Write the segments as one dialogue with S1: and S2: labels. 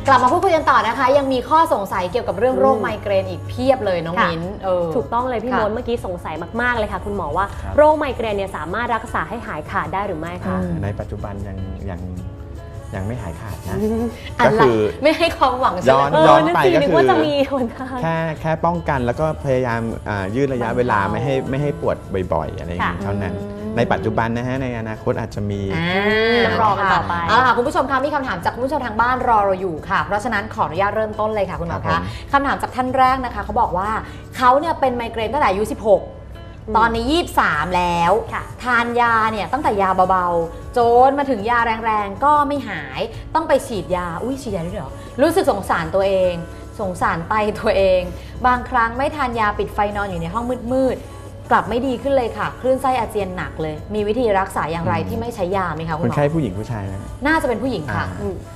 S1: กลับมาพูดคุยกันต่อนะคะยังมีข้อสงสัยเกี่ยวกับเรื่องโรคไมเกรนอีกเพียบเลยน้องมิ้น
S2: ถูกต้องเลยพี่มดเมื่อกี้สงสัยมากๆเลยค่ะคุณหมอว่าโรคไมเกรนเนี่ยสามารถรักษาให้หายขาดได้หรือไม่คะ
S3: ในปัจจุบันยังไม่หายขาดนะ
S1: ก็คือไม่ให้ความหวัง
S3: ย้อนไปก็คือ
S2: จะมีคน
S3: แค่ป้องกันแล้วก็พยายามยืดระยะเวลาไม่ให้ปวดบ่อยๆอะไรอย่างนี้เท่านั้นในปัจจุบันนะฮะในอนาคตอาจจะมี
S1: รอกันต่อไปเอาล่ะคุณผู้ชมคะมีคำถามจากคุณผู้ชมทางบ้านรอเราอยู่ค่ะเพราะฉะนั้นขออนุญาตเริ่มต้นเลยค่ะคุณหมอคะคำถามจากท่านแรกนะคะเขาบอกว่าเขาเนี่ยเป็นไมเกรนตั้งแต่อายุ16ตอนนี้23แล้วทานยาเนี่ยตั้งแต่ยาเบาๆโจนมาถึงยาแรงๆก็ไม่หายต้องไปฉีดยาฉีดยาด้วยเหรอรู้สึกสงสารตัวเองสงสารไตตัวเองบางครั้งไม่ทานยาปิดไฟนอนอยู่ในห้องมืดๆกลับไม่ดีขึ้นเลยค่ะคลื่นไส้อาเจียนหนักเลยมีวิธีรักษาอย่างไรที่ไม่ใช้ยาไหมคะคุณหมอ
S3: คนไข้ผู้หญิงผู้ชายนะ
S1: น่าจะเป็นผู้หญิงค่ะ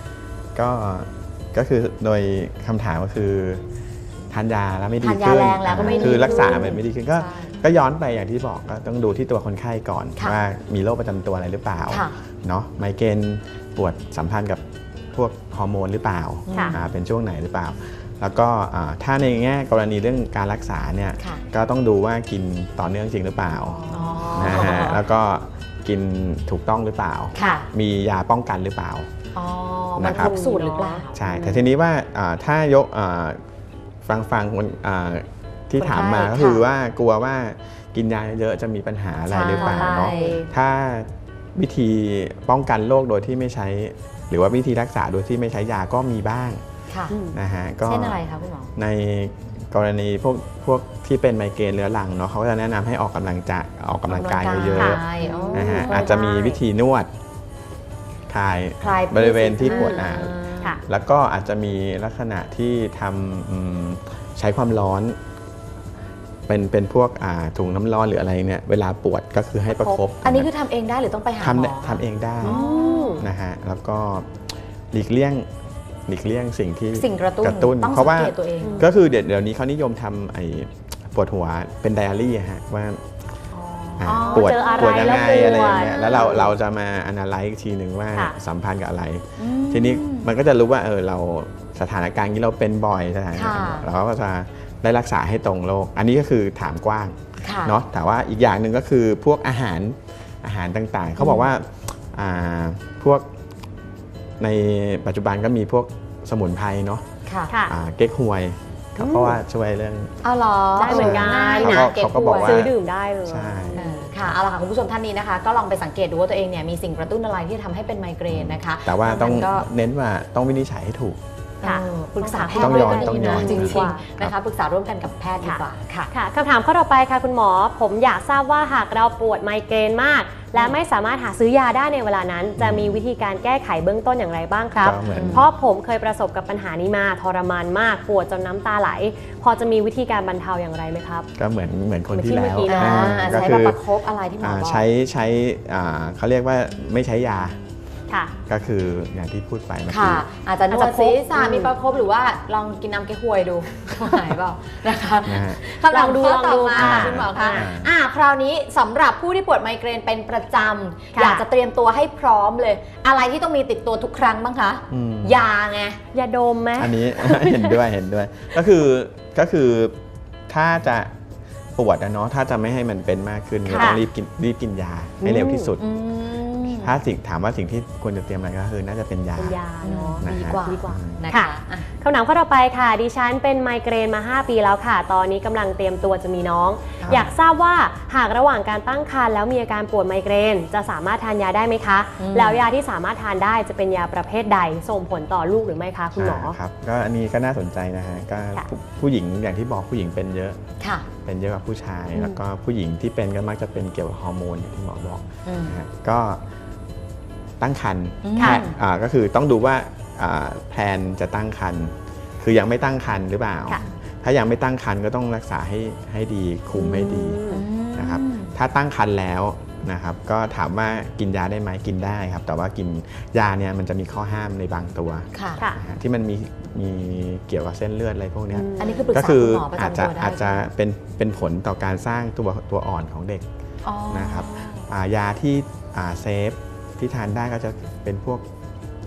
S3: ก็คือโดยคำถามก็คือทานยาแล้วไม่ดี
S1: ขึ้น
S3: คือรักษาไม่ดีขึ้นก็ย้อนไปอย่างที่บอกก็ต้องดูที่ตัวคนไข้ก่อนว่ามีโรคประจำตัวอะไรหรือเปล่าเนาะไมเกรนปวดสัมพันธ์กับพวกฮอร์โมนหรือเปล่าเป็นช่วงไหนหรือเปล่าแล้วก็ถ้าในแง่กรณีเรื่องการรักษาเนี่ยก็ต้องดูว่ากินต่อเนื่องจริงหรือเปล่านะฮะแล้วก็กินถูกต้องหรือเปล่ามียาป้องกันหรือเปล่า
S1: มันครบสูตรหรือเปล่า
S3: ใช่แต่ทีนี้ว่าถ้ายกฟังคนที่ถามมาก็คือว่ากลัวว่ากินยาเยอะจะมีปัญหาอะไรหรือเปล่าเนาะถ้าวิธีป้องกันโรคโดยที่ไม่ใช้หรือว่าวิธีรักษาโดยที่ไม่ใช้ยาก็มีบ้างนะฮะ
S1: ก็เช่นอะไรคะคุณหมอ
S3: ในกรณีพวกที่เป็นไมเกรนเรื้อรังเนาะเขาก็จะแนะนำให้ออกกำลังกายเยอะๆนะฮะอาจจะมีวิธีนวดคลายบริเวณที่ปวดแล้วก็อาจจะมีลักษณะที่ทำใช้ความร้อนเป็นพวกถุงน้ำร้อนหรืออะไรเนี่ยเวลาปวดก็คือให้ประคบ
S1: อันนี้คือทำเองได้หรือต้องไปหาหมอ
S3: ทำเองได้นะฮะแล้วก็หลีกเลี่ยงสิ่ง
S1: กระตุ้น
S3: เพราะว่าก็คือเดี๋ยวนี้เขานิยมทำปวดหัวเป็นไดอารี่ฮะว่าปวดยังไงอะไรอย่างเงี้ยแล้วเราจะมาอนาลัยอีกทีหนึ่งว่าสัมพันธ์กับอะไรทีนี้มันก็จะรู้ว่าเราสถานการณ์นี้เราเป็นบ่อยสถานการณ์เราก็จะได้รักษาให้ตรงโรคอันนี้ก็คือถามกว้างเนาะแต่ว่าอีกอย่างหนึ่งก็คือพวกอาหารต่างๆเขาบอกว่าพวกในปัจจุบันก็มีพวกสมุนไพรเนาะเก๊กฮวยเพราะว่าช่วยเรื่อง
S1: ได้เหมือนกัน
S3: เขาก็บอกว่า
S2: ซื้อดื่มได้เลย
S3: ใช่
S1: ค่ะเอาล่ะค่ะคุณผู้ชมท่านนี้นะคะก็ลองไปสังเกตดูว่าตัวเองเนี่ยมีสิ่งกระตุ้นอะไรที่ทำให้เป็นไมเกรนนะคะ
S3: แต่ว่าต้องเน้นว่าต้องวินิจฉัยให้ถูก
S1: ปรึกษาแพทย์ต้องย้อนจริงๆนะคะปรึกษาร่วมกันกับแพทย์ดีกว่า
S2: ค่ะคำถามข้อต่อไปค่ะคุณหมอผมอยากทราบว่าหากเราปวดไมเกรนมากและไม่สามารถหาซื้อยาได้ในเวลานั้นจะมีวิธีการแก้ไขเบื้องต้นอย่างไรบ้างครับเพราะผมเคยประสบกับปัญหานี้มาทรมานมากปวดจนน้ำตาไหลพอจะมีวิธีการบรรเทาอย่างไรไหมครับ
S3: ก็เหมือนคนที่แล้ว
S1: ก็คือประคบอะไรที่หมอบอก
S3: ใช้เขาเรียกว่าไม่ใช้ยาก็คืออย่างที่พูดไปเมื่อกี้
S1: อาจจะนวดศีรษะมีประคบหรือว่าลองกินน้ำเก๊กฮวยดูหายเปล่านะคะคำถามข้อต่อมาคุณหมอคะคราวนี้สำหรับผู้ที่ปวดไมเกรนเป็นประจำอยากจะเตรียมตัวให้พร้อมเลยอะไรที่ต้องมีติดตัวทุกครั้งบ้างคะยาไง
S2: ยาดมไหม
S3: อันนี้ เห็นด้วยก็คือถ้าจะปวดนะเนาะถ้าจะไม่ให้มันเป็นมากขึ้นก็ต้องรีบกินยาให้เร็วที่สุดถ้าถามว่าสิ่งที่ควรจะเตรียมอะไรก็คือน่าจะเป็นยา
S1: เนาะดีกว่า
S2: นะคะคำถามข้อต่อไปค่ะดิฉันเป็นไมเกรนมา5 ปีแล้วค่ะตอนนี้กำลังเตรียมตัวจะมีน้องอยากทราบว่าหากระหว่างการตั้งครรภ์แล้วมีอาการปวดไมเกรนจะสามารถทานยาได้ไหมคะแล้วยาที่สามารถทานได้จะเป็นยาประเภทใดส่งผลต่อลูกหรือไม่คะคุณหมอ
S3: ครับก็อันนี้ก็น่าสนใจนะฮะก็ผู้หญิงอย่างที่บอกผู้หญิงเป็นเยอะเป็นเยอะกว่าผู้ชายแล้วก็ผู้หญิงที่เป็นก็มักจะเป็นเกี่ยวกับฮอร์โมนอย่างที่หมอบอกก็ตั้งครรภ์ก็คือต้องดูว่าแพลนจะตั้งครรภ์คือยังไม่ตั้งครรภ์หรือเปล่าถ้ายังไม่ตั้งครรภ์ก็ต้องรักษาให้ดีคุมให้ดีนะครับถ้าตั้งครรภ์แล้วนะครับก็ถามว่ากินยาได้ไหมกินได้ครับแต่ว่ากินยาเนี่ยมันจะมีข้อห้ามในบางตัวที่มันมีเกี่ยวกับเส้นเลือดอะไรพวกนี้
S1: อันนี้คือปรึกษาคุณหมอประจำตัวได้
S3: อาจจะเป็นผลต่อการสร้างตัวอ่อนของเด็กนะครับยาที่เซฟที่ทานได้ก็จะเป็นพวก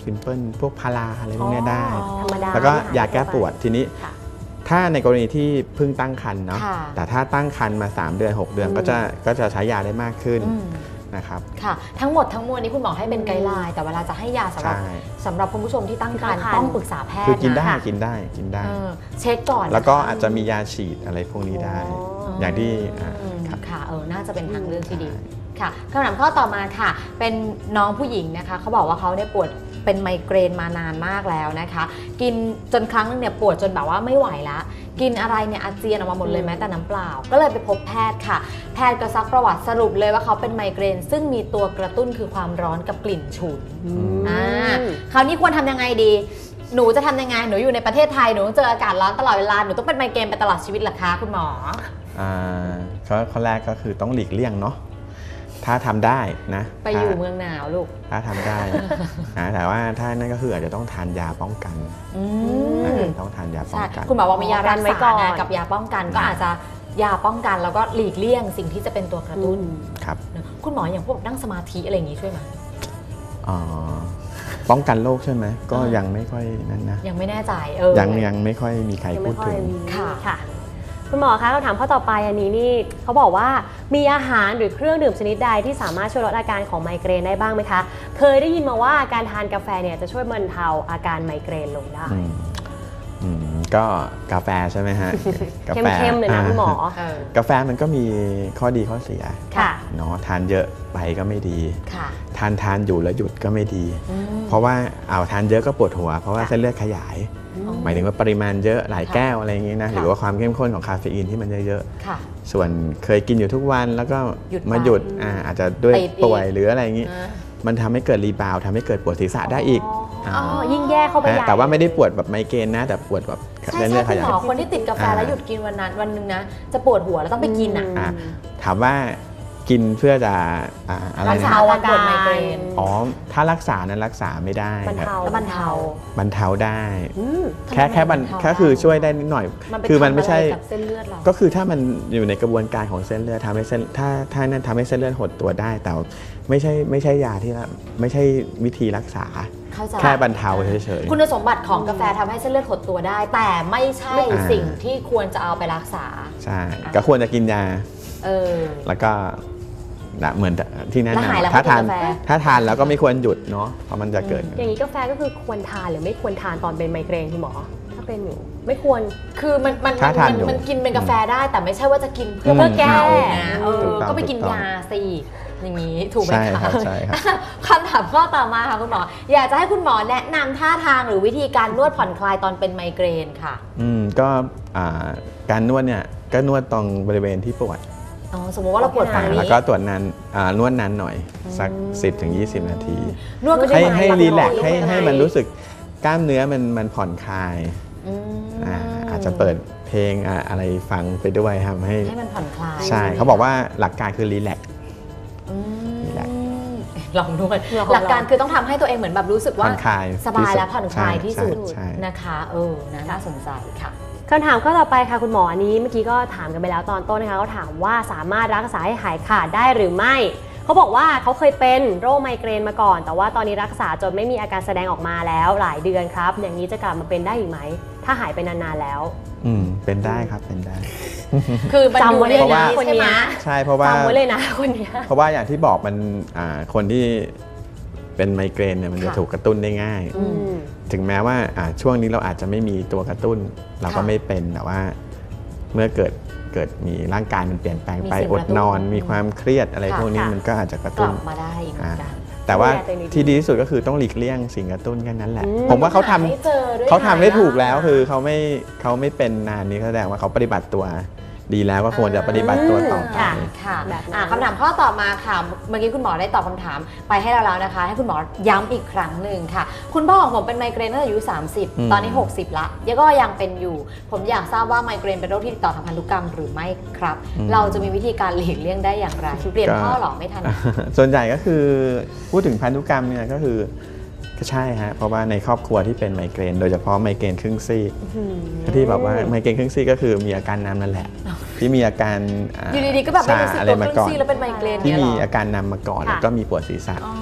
S3: ซิมเพิลพวกพาราอะไรพวกเนี้ยได้
S2: ธรรมดา
S3: แล้วก็ยาแก้ปวดทีนี้
S2: ค่ะ
S3: ถ้าในกรณีที่เพิ่งตั้งครรภ์เนาะ
S1: ค่ะ
S3: แต่ถ้าตั้งครรภ์มา3 เดือน 6 เดือนก็จะใช้ยาได้มากขึ้น
S1: อืม
S3: นะครับ
S1: ค่ะทั้งหมดทั้งมวลนี้คุณหมอให้เป็นไกด์ไลน์แต่เวลาจะให้ยาสำหรับ
S3: ใช่
S1: สำหรับคุณผู้ชมที่ตั้งครรภ์
S2: ตั้งครรภ์
S1: ต้องปรึกษาแพทย์
S3: คือกินได้
S1: ะ
S3: กินได้กินได้
S1: เออเช็คก่อน
S3: แล้วก็
S1: นะคะ
S3: อาจจะมียาฉีดอะไรพวกนี้ได้ อย่างที่ครับ
S1: ค่ะน่าจะเป็นทางเลือกที่ดีค่ะคำถามข้อต่อมาค่ะ เป็นน้องผู้หญิงนะคะเขาบอกว่าเขาเนี่ยปวดเป็นไมเกรนมานานมากแล้วนะคะ กินจนครั้งนึงเนี่ยปวดจนแบบว่าไม่ไหวละกินอะไรเนี่ยอาเจียนออกมาหมดเลยแม้แต่น้ำเปล่า ก็เลยไปพบแพทย์ค่ะ แพทย์ก็ซักประวัติสรุปเลยว่าเขาเป็นไมเกรน ซึ่งมีตัวกระตุ้นคือความร้อนกับกลิ่นฉุน คราวนี้ควรทำยังไงดี หนูจะทำยังไงหนูอยู่ในประเทศไทยหนูต้องเจออากาศร้อนตลอดเวลาหนูต้องเป็นไมเกรนไปตลอดชีวิตเหรอคะคุณหมอ
S3: ข้อแรกก็คือต้องหลีกเลี่ยงเนาะถ้าทำได้นะ
S1: ไปอยู่เมืองหนาวลูก
S3: ถ้าทำได้ นะแต่ว่าถ้านั่นก็คืออาจจะต้องทานยาป้องกันต้องทานยาป้อง
S1: ใช่
S3: กัน
S1: คุณหมอบอกมียารัก
S2: ไว้
S1: ษา
S2: ก่อน
S1: ไงกับยาป้องกันก็อาจจะยาป้องกันแล้วก็หลีกเลี่ยงสิ่งที่จะเป็นตัวกระตุ้น
S3: ครับ
S1: คุณหมออย่างพวกนั่งสมาธิอะไรอย่างนี้ช่วยไหม
S3: ป้องกันโรคใช่ไหมก็ยังไม่ค่อยนั่นนะ
S1: ยังไม่แน่ใจ
S3: ยังไม่ค่อยมีใคร
S2: ยัง
S3: พู
S2: ไม่
S3: ด
S2: ค่อ
S3: ถึ
S2: ย
S3: ง
S2: มี
S1: ค่ะ
S2: คุณหมอคะคำถามข้อต่อไปอันนี้นี่เขาบอกว่ามีอาหารหรือเครื่องดื่มชนิดใดที่สามารถช่วยลดอาการของไมเกรนได้บ้างไหมคะเคยได้ยินมาว่าการทานกาแฟเนี่ยจะช่วยบรรเทาอาการไมเกรนลงได้
S3: ก็กาแฟใช่ไหมฮะ กาแฟ
S2: เข้มๆเลยนะคุณหมอ
S3: กาแฟมันก็มีข้อดีข้อเสีย
S2: ค่ะ
S3: เนาะทานเยอะไปก็ไม่ดี
S1: ค่ะ
S3: ทานอยู่แล้วหยุดก็ไม่ดี เพราะว่าทานเยอะก็ปวดหัว เพราะว่าเส้นเลือดขยาย หมายถึงว่าปริมาณเยอะหลายแก้วอะไรอย่างงี้นะหรือว่าความเข้มข้นของคาเฟอีนที่มันเยอะ
S1: ค่ะ
S3: ๆส่วนเคยกินอยู่ทุกวันแล้วก็
S1: หยุด
S3: มาหยุด
S1: ไป
S3: อาจจะด้วย
S1: ติดอีก
S3: ป่วยหรืออะไรอย่างงี้ มันทำให้เกิดรีบาวด์ทำให้เกิดปวดศีรษะได้อีก
S2: อ๋อยิ่งแย่เข้าไปใหญ่
S3: แต่ว่าไม่ได้ปวดแบบไมเกรนนะแต่ปวดแบบ
S1: ใช่
S3: เส้น
S1: ใช่
S3: เลือดข
S1: คุณ
S3: ยา
S1: ห
S3: ย
S1: มอคนที่ติดกาแฟแล้วหยุดกินวันหนึงนะจะปวดหัวแล้วต้องไปกินอ่ะ
S3: ถามว่ากินเพื่อจะอะไร
S1: รัก
S3: นะ
S1: ษาอาการปวดไมเกรน
S3: ถ้ารักษานั้นรักษาไม่ได้
S2: บรร
S3: ครับ
S2: เทา
S1: แล้วบรรเทา
S3: บรรเทาได้
S2: อืม
S3: แค่บรร
S1: ทำไมบรรเทา
S3: แค่คือช่วยได้นิดหน่อย
S1: ไป
S3: คือมันไม่ใช่
S1: ทำอะไรกับเส้นเลือดเรา
S3: ก็คือถ้ามันอยู่ในกระบวนการของเส้นเลือดทำให้เส้นถ้านั้นทำให้เส้นเลือดหดตัวได้ แต่ไม่ใช่ยาที่ไม่ใช่วิธีรักษา
S1: เข้าใจ
S3: แค่บรรเทาเฉย
S1: คุณสมบัติของกาแฟทำให้เส้นเลือดหดตัวได้ แต่ไม่ใช่สิ่งที่ควรจะเอาไปรักษา
S3: ๆใช่ก็ควรจะกินยา แล้วก็เหมือนที่แนะ
S1: แล้วหายแล้ว
S3: นำถ้าทาน
S1: ไม่กินกาแฟ
S3: ถ้าทานแล้วก็ไม่ควรหยุดเนาะเพราะมันจะเกิด
S2: อย่างนี้กาแฟก็คือควรทานหรือไม่ควรทานตอนเป็นไมเกรนคุณหมอถ้าเป็นอยู่ไม่ควร
S1: คือมัน
S3: ถ้าทานอยู่
S1: มันกินเป็นกาแฟได้ แต่ไม่ใช่ว่าจะกินเพื่อ
S3: ม
S1: เพื่อแก้
S2: นะ
S3: ถูกต้อง
S1: ก็ไปกิน
S3: ถูกต้อง
S1: ยาสิอย่างนี้ถูกไหม
S3: ใช่
S1: คะ
S3: ครับใช่ครับ
S1: คำถามข้อต่อมาค่ะคุณหมอ อยากจะให้คุณหมอแนะนำท่าทางหรือวิธีการนวดผ่อนคลายตอนเป็นไมเกรนค่ะ
S3: ก็การนวดเนี่ยก็นวดตรงบริเวณที่ปวด
S1: สมมติว่าเราปวดฝั่งนี้
S3: แล้วก็ตรวจนานนวดนานหน่อยสัก 10-20 นาที
S1: นวดก็ได้
S3: ให้
S1: ไหม
S3: รีแลกซ์
S1: นวดยังไง
S3: ให้มันรู้สึกกล้ามเนื้อมันผ่อนคลาย อาจจะเปิดเพลงอะไรฟังไปด้วยทำให้
S1: มันผ่อนคลาย
S3: ใช่เขาบอกว่าหลักการคือรีแลกซ์ รีแลกซ์
S1: ลองนวดหลักการคือต้องทำให้ตัวเองเหมือนแบบรู้สึกว่า
S3: ผ่อนคลาย
S1: สบายและผ่อนคลายที่สุด
S3: ใช่
S1: นะคะน่าสนใจค่ะ
S2: คำถามข้อต่อไปค่ะคุณหมออันนี้เมื่อกี้ก็ถามกันไปแล้วตอนต้นนะคะเขาถามว่าสามารถรักษาให้หายขาดได้หรือไม่เขาบอกว่าเขาเคยเป็นโรคไมเกรนมาก่อน แต่ว่าตอนนี้รักษาจนไม่มีอาการแสดงออกมาแล้วหลายเดือนครับ อย่างนี้จะกลับมาเป็นได้อีกไหมถ้าหายไปนานๆแล้ว
S3: เป็นได้ครับเป็นได้
S1: คือมันอยู่ใน
S2: จำไว้เลยนะ
S1: นี้
S2: คน
S1: ใช่
S2: เนี้
S1: ไหม
S2: ย
S3: ใช่เพราะว่า
S2: จำไว้เลยนะคนเนี้ย
S3: เพราะว่าอย่างที่บอกมันคนที่เป็นไมเกรนเนี่ยมันจะถูกกระตุ้นได้ง่าย ถึงแม้ว่าช่วงนี้เราอาจจะไม่มีตัวกระตุ้นเราก็ไม่เป็นแต่ว่าเมื่อเกิดมีร่างกายมันเปลี่ยนแปลงไปอดนอนมีความเครียดอะไรพวกนี้มันก็อาจจะกระ
S1: ก
S3: ตุ้
S1: ลั
S3: น
S1: บมาได้อีกเหมือนกัน
S3: แต่ว่า
S2: ดูแลตัวเองดีๆ
S3: ที่ดีที่สุดก็คือต้องหลีกเลี่ยงสิ่งกระตุ้นแค่นั้นแหละ
S2: อืม
S3: ผมว่าเขาทำ
S1: ให้เจอด้วย
S3: เขาทำได้ถูก
S1: นะ
S3: แล้วคือเขาไม่เป็นนานนี้แสดงว่าเขาปฏิบัติตัวดีแล้วก็ควรจะปฏิบัติตัวต่อไป
S1: ค่ะ
S2: แบบนั้น
S1: คำถามข้อต่อมาค่ะ เมื่อกี้คุณหมอได้ตอบคำถามไปให้เราแล้วนะคะ ให้คุณหมอย้ำอีกครั้งหนึ่งค่ะ คุณพ่อของผมเป็นไมเกรนตั้งแต่อายุ 30 ตอนนี้ 60 ละยังก็ยังเป็นอยู่ ผมอยากทราบว่าไมเกรนเป็นโรคที่ติดต่อทางพันธุกรรมหรือไม่ครับ เราจะมีวิธีการหลีกเลี่ยงได้อย่างไร เปลี่ยนพ่อหรอไม่ทัน
S3: ส่วนใหญ่ก็คือพูดถึงพันธุกรรมเนี่ยก็คือก็ใช่ฮะเพราะว่าในครอบครัวที่เป็นไมเกรนโดยเฉพาะไมเกรนครึ่งซีกที่แบบว่าไมเกรนครึ่งซีกก็คือมีอาการนำนั่นแหละ ที่มีอาการ
S1: อยู่ดีๆก็แบบไม่รู้สึก
S3: อะไร
S1: ตัว
S3: มา
S1: ครึ่
S3: ก่
S1: ง
S3: อน
S1: ซี่แล้วเป็นไมเกรน
S3: ที่
S1: เนี่ย
S3: มี
S1: เหรอ
S3: อาการนำมาก่อน
S2: ค่ะ
S3: แล้วก็มีปวดศีรษะ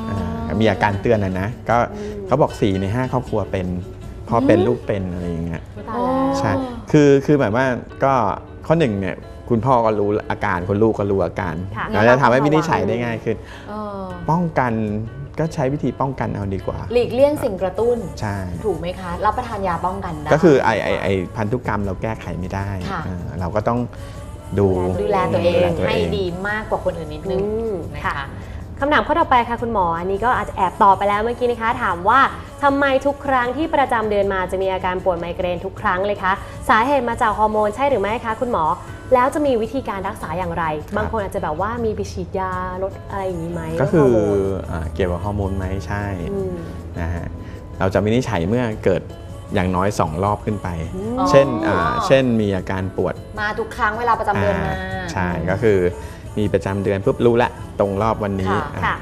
S3: มีอาการเตือนนะก็เขาบอก4 ใน 5ครอบครัวเป็นพ่อเป็นลูกเป็นอะไรอย่างเงี้ย
S2: ตายแล้ว
S3: ใช่คือหมายว่าก็ข้อหนึ่งเนี่ยคุณพ่อก็รู้อาการคุณลูกก็รู้อาการ
S2: ค่ะ
S3: เราจะทำให้วินิจฉัยได้ง่ายขึ้น
S1: เออ
S3: ป้องกันก็ใช้วิธีป้องกันเอาดีกว่า
S1: หลีกเลี่ยงสิ่งกระตุ้น
S3: ใช่
S1: ถูกไหมคะ รับประทานยาป้องกันได้
S3: ก็คือไอพันธุกรรมเราแก้ไขไม่ได้
S1: ค่ะ
S3: เราก็ต้องดู
S1: ดูแลตัวเอง
S3: ดูแลตัว
S1: ให้
S3: เอง
S1: ดีมากกว่าคนอื่นนิดนึง
S2: อืม
S1: นะ
S2: ค่ะ
S1: คะ
S2: คำถามข้อต่อไปค่ะคุณหมออันนี้ก็อาจจะแอบตอบไปแล้วเมื่อกี้นะคะ ถามว่าทำไมทุกครั้งที่ประจำเดือนมาจะมีอาการปวดไมเกรนทุกครั้งเลยคะสาเหตุมาจากฮอร์โมนใช่หรือไม่คะคุณหมอแล้วจะมีวิธีการรักษาอย่างไร บางคนอาจจะแบบว่ามีไปฉีดยาลดอะไรอย่างนี้ไหม
S3: ก็คือ
S2: ลดฮร์โมน
S3: เกี่ยวกับฮอร์โมนไหมใช่
S2: ม
S3: นะฮะเราจะวินิจฉัยเมื่อเกิดอย่างน้อย2 รอบขึ้นไป
S1: อ๋อ
S3: เช่นมีอาการปวด
S1: มาทุกครั้งเวลาประจำเดือนมา
S3: ใช่ก็คือมีประจำเดือนปุ๊บรู้ละตรงรอบวันนี้
S2: ค่ะ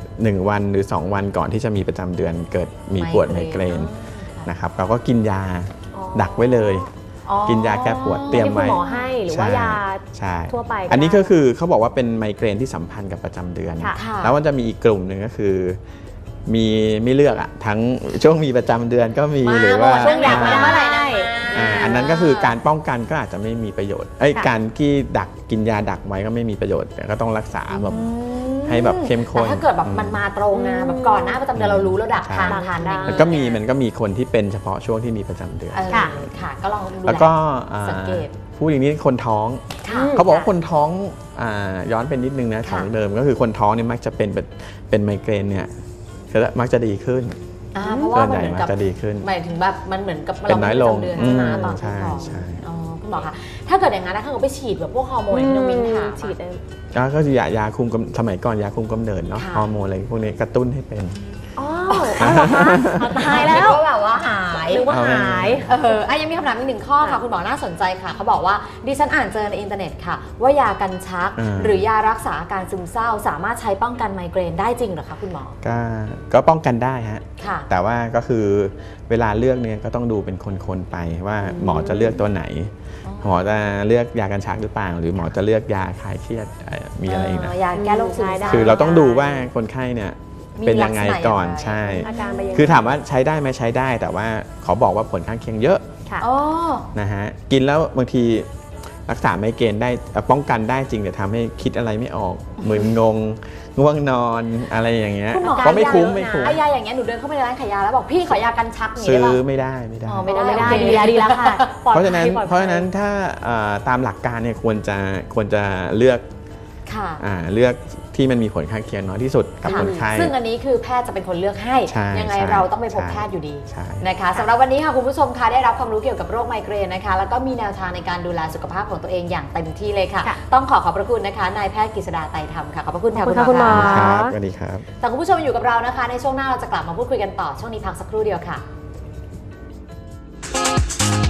S3: 1 วันหรือ 2 วันก่อนที่จะมีประจำเดือนเกิดมีปวดไมเกรนนะครับเราก็กินยา
S2: อ๋อ
S3: ดักไว้เลย
S1: อ๋อ
S3: กินยาแก้ปวดเตรียม
S2: ที่คุ
S3: ไว้
S2: ณหมอให้หรือว่ายา
S3: ใช่
S2: ทั่วไปก็
S3: อันนี้
S2: ได้
S3: ก็คือเขาบอกว่าเป็นไมเกรนที่สัมพันธ์กับประจำเดือน
S2: ค่ะ
S1: ค่ะ
S3: แล้วมันจะมีอีกกลุ่มหนึ่งก็คือมีไม่เลือกอะทั้งช่วงมีประจำเดือนก็มี
S1: มา
S3: หรือ
S1: หม
S3: ว่า
S1: ดช่วงอยากมาเมื่อไหร่นะ
S3: อันนั้นก็คือการป้องกันก็อาจจะไม่มีประโยชน์
S2: ค่ะ
S3: การที่ดักกินยาดักไว้ก็ไม่มีประโยชน์แต่ก็ต้องรักษาแบบ
S1: อืม
S3: ให้แบบเข้มข้น
S1: แต่ถ้าเกิดแบบมันมาตรงนะแบบก่อนหน้าประจำเดือนเรารู้แล้วดัก
S3: ใช่
S1: ทานได้
S3: มันก็มีคนที่เป็นเฉพาะช่วงที่มีประจำเดือน
S1: ค่ะ ค่ะ ก็ลองดู
S3: แล้วก็
S1: สังเกต
S3: พูดอย่างนี้คนท้อง
S1: ค่ะ
S3: เขาบอกว่าคนท้องย้อนเป็นนิดนึงนะ
S1: ค่ะ
S3: ของเดิมก็คือคนท้องเนี่ยมักจะเป็นไมเกรนเนี่ยมักจะดีขึ้น
S1: เพราะว่า
S3: ส่วน
S1: มัน
S3: ใหญ่
S1: เหมือน
S3: มัก
S1: กับ
S3: จะดีขึ้น
S1: หมายถึงแบบมันเหมือนกับ
S3: เป็นน้อยลง
S1: เราไม่มีประจำเดือนใช่ไหมตอน
S3: ใช่
S1: ท้อง
S3: ใช่
S1: อ๋อคุณหมอคะถ้าเกิดอย่างนั้นนะถ้าเกิดไปฉีดแบบพวกฮอร์โมนที่น้องมิ้นถาม
S2: ฉีดได้
S3: ก็คือยาคุมสมัยก่อนยาคุมกำเนิดเนาะ
S1: ค่ะ
S3: ฮอร์โมนอะไรพวกนี้กระตุ้นให้เป็น
S2: อ๋อเอาเหรอคะตายแล้ว
S1: ก็แบบว่าหาย
S2: นึกว่าหาย
S1: ยังมีคำถามอีกหนึ่งข้อค่ะคุณหมอน่าสนใจค่ะเขาบอกว่าดิฉันอ่านเจอในอินเทอร์เน็ตค่ะ ว่ายากันชัก หรือยารักษาอาการซึมเศร้า สามารถใช้ป้องกันไมเกรนได้จริงเหรอคะคุณหมอ
S3: ก็ป้องกันได้ฮะ
S1: ค่ะ
S3: แต่ว่าก็คือเวลาเลือกเนี่ยก็ต้องดูเป็นคนๆไปว่าหมอจะเลือกตัวไหน หมอจะเลือกยากันชักหรือเปล่า หรือหมอจะเลือกยาคลายเครียดมีอะไรอีกนะ
S1: ยาแก้โรคซึมเศร้า
S3: คือเราต้องดูว่าคนไข้เนี่ย
S1: มี
S3: เป็นยังไงก่อน
S1: ลักษณะยังไง
S3: ใช่
S2: อาการไปยังไง
S3: คือถามว่าใช้ได้ไหมใช้ได้ แต่ว่าขอบอกว่าผลข้างเคียงเยอะ
S2: ค่ะ
S1: อ๋อ
S3: นะฮะกินแล้วบางทีรักษาไมเกรนได้ป้องกันได้จริงแต่ทำให้คิดอะไรไม่ออกมึนงงง่วงนอนอะไรอย่างเงี้ย
S1: คุณหมอ
S3: ก็ไม่คุ้ม
S2: ยาเยอะนะ
S3: ไม่คุ้ม
S1: ไอ้ยาอย่างเงี้ยหนูเดินเข้าไปในร้านขายยาแล้วบอกพี่ขอยากันชักอย่าง
S3: ซื้
S1: เงี้
S3: อย
S1: ได้ปะ
S3: ไม่ได้
S1: อ๋อไม่ได้
S2: ไม่ได้
S1: โอเค
S2: ดีแล้วค่ะปลอด
S3: เพราะฉะนั้น
S2: ภัยปลอดภัย
S3: เพราะฉะนั้นถ้าตามหลักการเนี่ยควรจะเลือก
S1: ค่ะ
S3: เลือกที่มันมีผลข้างเคียงน้อยที่สุดกับ
S1: ค่ะ
S3: คนไข้
S1: ซึ่งอันนี้คือแพทย์จะเป็นคนเลือกให้
S3: ใช่
S1: ยังไง
S3: ใช่
S1: เราต้องไปพบ
S3: ใช่
S1: แพทย์อยู่ดี
S3: ใช่
S1: นะคะสำหรับวันนี้ค่ะคุณผู้ชมคะได้รับความรู้เกี่ยวกับโรคไมเกรนนะคะแล้วก็มีแนวทางในการดูแลสุขภาพของตัวเองอย่างเต็มที่เลยค่ะ
S2: ค่ะ
S1: ต้องขอบพระคุณนะคะนายแพทย์กฤษดาไตรธรรมค่ะขอบพระคุณค่ะ
S2: ขอบคุณค่ะคุณหมอ
S3: ครับสวัสดีครับ
S1: แต่คุณผู้ชมอยู่กับเรานะคะ ในช่วงหน้าเราจะกลับมาพูดคุยกันต่อช่วงนี้พักสักครู่เดียวค่ะ